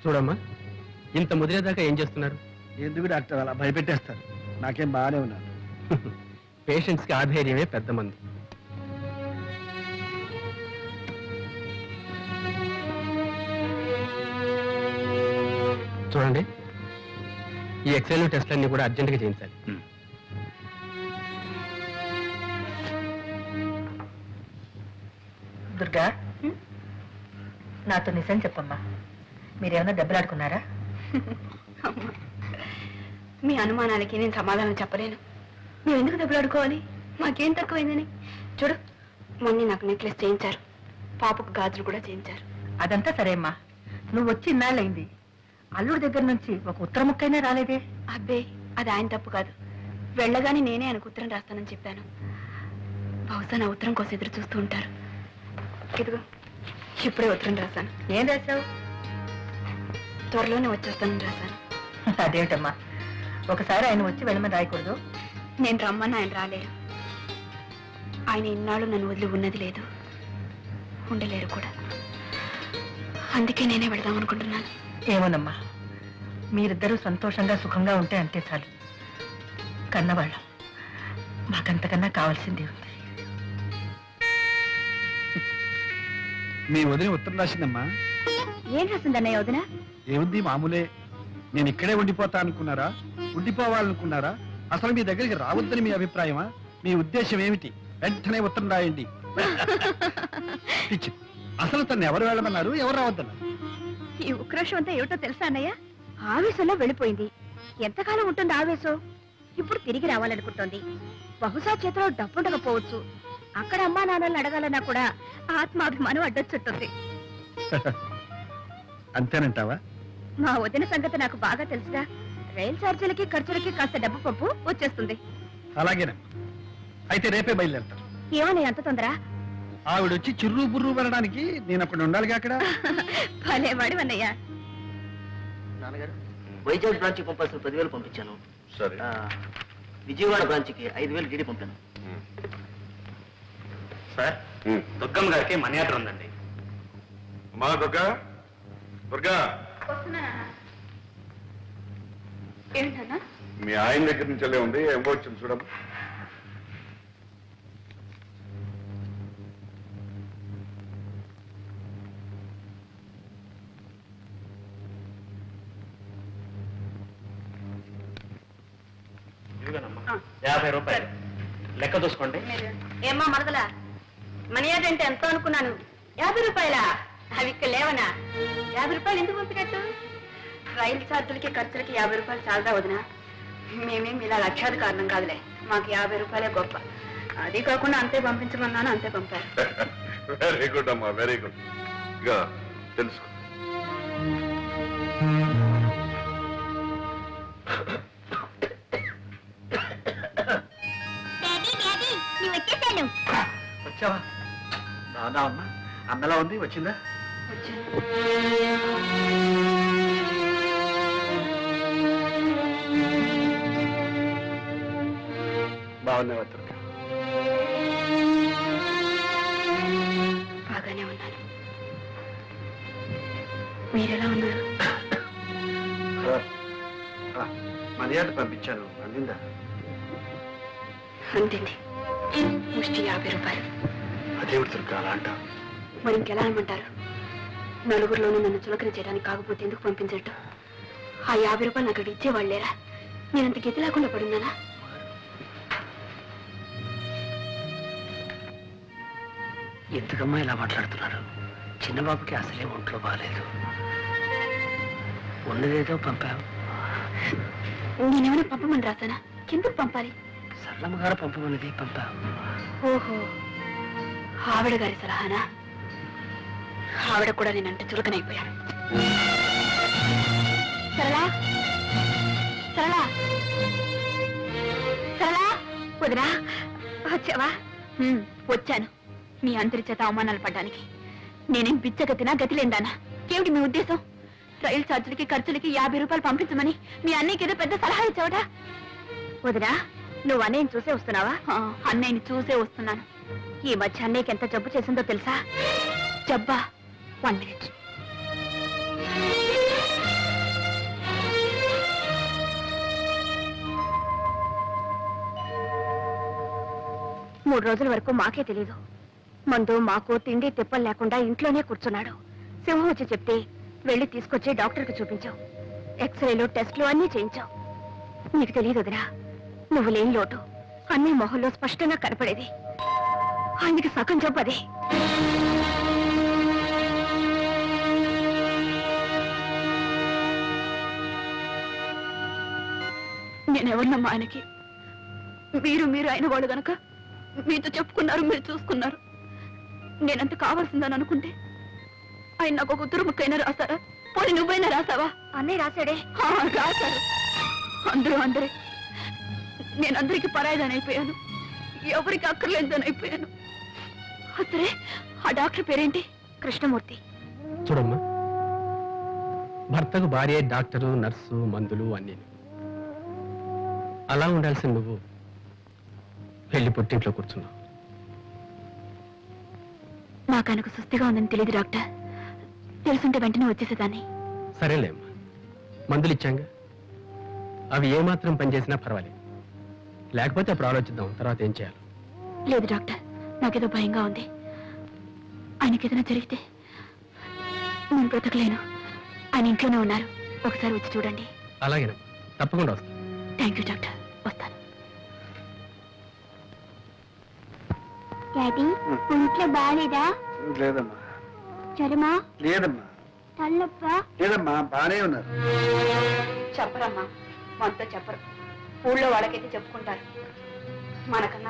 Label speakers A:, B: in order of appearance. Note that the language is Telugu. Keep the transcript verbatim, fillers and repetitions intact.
A: చూడమ్మా, ఇంత ముదిరేదాకా ఏం చేస్తున్నారు?
B: ఎందుకు డాక్టర్ అలా భయపెట్టేస్తారు? నాకేం బాగానే ఉన్నాను.
A: పేషెంట్స్కి ఆధైర్యమే పెద్ద మందు. చూడండి, ఈ ఎక్స్రేలు టెస్ట్లన్నీ కూడా అర్జెంటుగా చేయించాలి.
C: దుర్గా, నాతో నిజం చెప్పమ్మా, మీరేమన్నా దెబ్బలాడుకున్నారా?
D: మీ అనుమానాలకి నేను సమాధానం చెప్పలేను. మేము ఎందుకు దెబ్బలాడుకోవాలి? మాకేం తక్కువైందని. చూడు, మొన్న నాకు నెక్లెస్ చేయించారు, పాపకు గాజులు కూడా చేయించారు.
C: అదంతా సరే అమ్మా, నువ్వు వచ్చి ఇన్నాళ్ళైంది, అల్లుడి దగ్గర నుంచి ఒక ఉత్తర ముక్కైనా రాలేదే?
D: అబ్బే, అది ఆయన తప్పు కాదు. వెళ్ళగానే నేనే ఆయనకు ఉత్తరం రాస్తానని చెప్పాను. బహుశా నా ఉత్తరం కోసం ఎదురు చూస్తూ ఉంటారు. ఇదిగో, ఇప్పుడే ఉత్తరం రాశాను.
C: ఏం రాశావు?
D: త్వరలోనే వచ్చేస్తానని రాశాను.
C: అదేమిటమ్మా, ఒకసారి ఆయన వచ్చి వెళ్ళమని రాయకూడదు?
D: నేను రమ్మని ఆయన రాలేరు. ఆయన ఇన్నాళ్ళు నన్ను వదిలి ఉన్నది లేదు, ఉండలేరు కూడా. అందుకే నేనే వెళదాం అనుకుంటున్నాను.
C: ఏమోనమ్మా, మీరిద్దరూ సంతోషంగా సుఖంగా ఉంటే అంతే చాలు. కన్నవాళ్ళం, మాకంతకన్నా కావాల్సింది ఉంది.
B: మీ వదిన ఉత్తరం రాసిందమ్మా.
D: ఏం రాసిందన్నయ్య వదిన?
B: ఏముంది, మామూలే. నేను ఇక్కడే ఉండిపోతా అనుకున్నారా? ఉండిపోవాలనుకున్నారా? అసలు మీ దగ్గరికి రావద్దని మీ అభిప్రాయమా? మీ ఉద్దేశం ఏమిటి? వెంటనే ఉత్తరం రాయండి. పిచ్చి. అసలు తను ఎవరు వెళ్ళమన్నారు, ఎవరు రావద్దన్నారు?
D: ఈ ఉక్రోషం అంతా ఏమిటో తెలుసా అన్నయ్య? ఆవేశంలో వెళ్ళిపోయింది. ఎంతకాలం ఉంటుంది ఆవేశం? ఇప్పుడు తిరిగి రావాలనుకుంటోంది. బహుశా చేతిలో డబ్బుండకపోవచ్చు. అక్కడ అమ్మా నాన్నల్ని అడగాలన్నా కూడా ఆత్మాభిమానం అడ్డొచ్చుంటుంది.
B: అంతేనంటావా?
D: మా వదిన సంగతి నాకు బాగా తెలుసుగా. రైలు ఛార్జీలకి ఖర్చులకి కాస్త డబ్బు పప్పు వచ్చేస్తుంది.
B: అలాగేనా? అయితే రేపే బయలుదేరుతాను.
D: ఏమన్నా అంత తొందర?
B: ఆవిడొచ్చి చిర్రు బుర్రు వెళ్ళడానికి నేను అక్కడ ఉండాలిగా. అక్కడ
D: భలేవాడు అన్నయ్య.
E: నాన్నగారు, వైజాగ్ బ్రాంచ్కి పంపాల్సిన పదివేలు పంపించాను.
F: సరే.
E: విజయవాడ బ్రాంచ్కి ఐదు వేలు డీడీ పంపాను.
A: సార్, దుర్గమ్మ గారికి మనీ ఆర్డర్ ఉందండి.
F: అమ్మా దుర్గా, దుర్గా,
D: ఏంటన్నా?
F: మీ ఆయన దగ్గర నుంచి వెళ్ళే ఉంది, ఏం వచ్చింది చూడమ్మా.
A: యాభై రూపాయలు లెక్క చూసుకోండి.
D: ఏమ్మా మరదలా, మనీ ఆర్డర్ అంటే ఎంతో అనుకున్నాను. యాభై రూపాయలా? అవి ఇక్కడ లేవనా? యాభై రూపాయలు ఎందుకు పంపినట్టు? రైలు ఛార్జీలకి ఖర్చులకి యాభై రూపాయలు చాలదా వదినా? మేమేం ఇలా లక్షాది కారణం కాదులే, మాకు యాభై రూపాయలే గొప్ప. అది కాకుండా అంతే పంపించమన్నాను, అంతే పంపారు.
F: వెరీ గుడ్ అమ్మా, వెరీ గుడ్. ఇక తెలుసుకో.
B: వచ్చావా? బాగున్నా అమ్మా. అన్నలా ఉంది, వచ్చిందా? బాగున్నావా దుర్గా?
D: బాగానే ఉన్నాను. మీరెలా ఉన్నారు?
B: మర్యాద పంపించాను, అందిందా?
D: అందింది. ముష్టి యాభై రూపాయలు.
B: అదేమిటి దుర్గా అలా అంటావు?
D: మరి ఇంకెలా అనమంటారు? నలుగురిలోనూ నన్ను చులకన చేయడానికి కాకపోతే ఎందుకు పంపించట్టు? ఆ యాభై రూపాయలు నాకు అక్కడ ఇచ్చేవాళ్ళేరా? నేనంత గతి లేకుండా పడున్నానా?
E: ఎందుకమ్మా ఇలా మాట్లాడుతున్నారు? చిన్నబాబుకి అసలే ఒంట్లో బాగాలేదు. ఉన్నదేదో పంపావు.
D: నేనేమైనా పంపమని రాసానా? ఎందుకు పంపాలి?
E: సరళమ్మ గారు పంపమన్నది పంపావు.
D: ఓహో, ఆవిడ గారి సలహానా? ఆవిడ కూడా నేనంటే చులకనైపోయాను. సరళా, సరళా, సరళా, వదినా వచ్చావా? వచ్చాను. మీ అందరి చేత అవమానాలు పడ్డానికి. నేనేం బిచ్చగతినా, గతి లేదానా? ఏమిటి మీ ఉద్దేశం? రైలు ఛార్జీలకి ఖర్చులకి యాభై రూపాయలు పంపించమని మీ అన్నయ్యకి ఏదో పెద్ద సలహా ఇచ్చావట. వదినా, నువ్వు అన్నయ్యని చూసే వస్తున్నావా? అన్నయ్యని చూసే వస్తున్నాను. ఈ మధ్య అన్నయ్యకి ఎంత జబ్బు చేసిందో తెలుసా? జబ్బా? One minute. మూడు రోజుల వరకు మాకే తెలీదు. మందు మాకు తిండి తిప్పలు లేకుండా ఇంట్లోనే కూర్చున్నాడు. సింహం వచ్చి చెప్తే వెళ్ళి తీసుకొచ్చి డాక్టర్కి చూపించావు. ఎక్స్రేలు టెస్టులు అన్నీ చేయించావు. నీకు తెలియదు వదినా, నువ్వు లేని లోటు అన్ని మొహంలో స్పష్టంగా కనపడేది. ఆయనకి సగం చెప్పదే. నేనెవరినమ్మా ఆయనకి? మీరు మీరు అయిన వాళ్ళు గనక మీతో చెప్పుకున్నారు, మీరు చూసుకున్నారు. నేనంత కావాల్సిందని అనుకుంటే ఆయన నాకు ఒక ఉత్తర ముక్కైనా రాశారా? పోనీ నువ్వైనా రాసావా? అన్నీ రాశాడే. రాశారు అందరూ అందరే. నేను అందరికి పరాయిదని అయిపోయాను, ఎవరికి అక్కర్లేదని అయిపోయాను. సరే, ఆ డాక్టర్ పేరేంటి? కృష్ణమూర్తి.
A: చూడమ్మా, భర్తకు భార్య డాక్టరు, నర్సు, మందులు అన్నీ. అలా ఉండాల్సిన నువ్వు వెళ్ళి పుట్టింట్లో కూర్చున్నావు.
D: నాకు ఆయనకు సుస్థిగా ఉందని తెలియదు డాక్టర్. తెలుసుంటే వెంటనే వచ్చేసేదాన్ని.
A: సరేలేమ్మా, మందులు ఇచ్చాంగా, అవి ఏమాత్రం పనిచేసినా పర్వాలేదు. లేకపోతే అప్పుడు ఆలోచిద్దాం తర్వాత ఏం చేయాలి.
D: లేదు డాక్టర్, నాకేదో భయంగా ఉంది. ఆయనకి ఏదైనా జరిగితే నేను బ్రతకలేను. ఆయన ఇంట్లోనే ఉన్నారు, ఒకసారి వచ్చి చూడండి.
A: అలాగేనమ్మా, తప్పకుండా వస్తాను.
D: థ్యాంక్ యూ డాక్టర్, వస్తాను.
G: డాడీ ఒంట్లో బాగాలేదా?
B: లేదమ్మా.
G: జ్వరమా?
B: లేదమ్మా.
G: తల్లొప్ప?
B: లేదమ్మా, బానే ఉన్నారు.
D: చెప్పరమ్మా, మనతో చెప్పరు. ఊళ్ళో వాళ్ళకైతే చెప్పుకుంటారు, మనకన్నా